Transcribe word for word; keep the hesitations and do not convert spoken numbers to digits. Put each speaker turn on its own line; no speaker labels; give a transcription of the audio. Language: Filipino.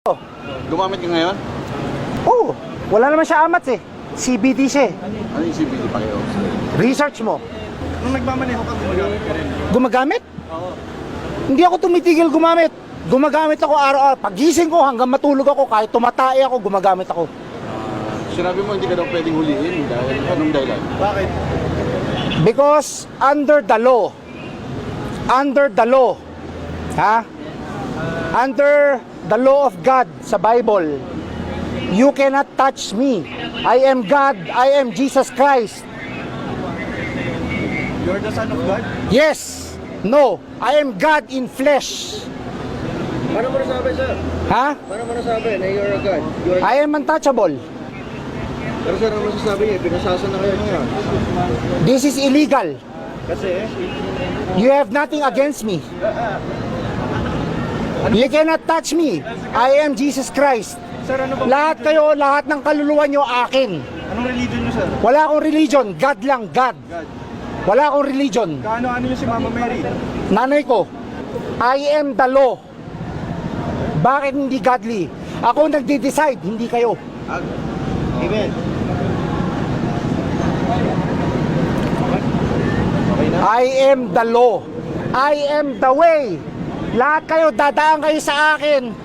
Gumamit ka ngayon?
Oo, wala naman siya amats eh. C B D siya eh.
Ano yung C B D pa kayo?
Research mo.
Nung nagmamaneho ka, gumagamit ka rin.
Gumagamit?
Oo.
Hindi ako tumitigil gumamit. Gumagamit ako araw-araw. Pagising ko hanggang matulog ako, kahit tumatay ako, gumagamit ako.
Sinabi mo hindi ka daw pwedeng huliin dahil anong dahilan?
Bakit?
Because under the law, under the law, ha? Under the law of God sa Bible, you cannot touch me. I am God, I am Jesus Christ.
You're the son of God?
Yes, no, I am God in flesh.
Paano mo nasabi, sir?
Ha?
Paano mo nasabi na you're a God? You're...
I am untouchable.
Pero sir, ano masasabi niya? Pinasasa na kayo ngayon.
This is illegal.
Kasi,
You have nothing against me. You cannot touch me. I am Jesus Christ.
sir, ano ba?
Lahat kayo, lahat ng kaluluwa nyo akin.
Anong religion niyo, sir?
Wala akong religion. God lang, God.
God.
Wala akong religion.
Kaano-ano niyo si Mama Mary?
Nanay ko, I am the law. Bakit hindi godly? Ako nagde-decide, hindi kayo.
Amen. Okay na?
I am the law. I am the way. Lahat kayo, dadaan kayo sa akin.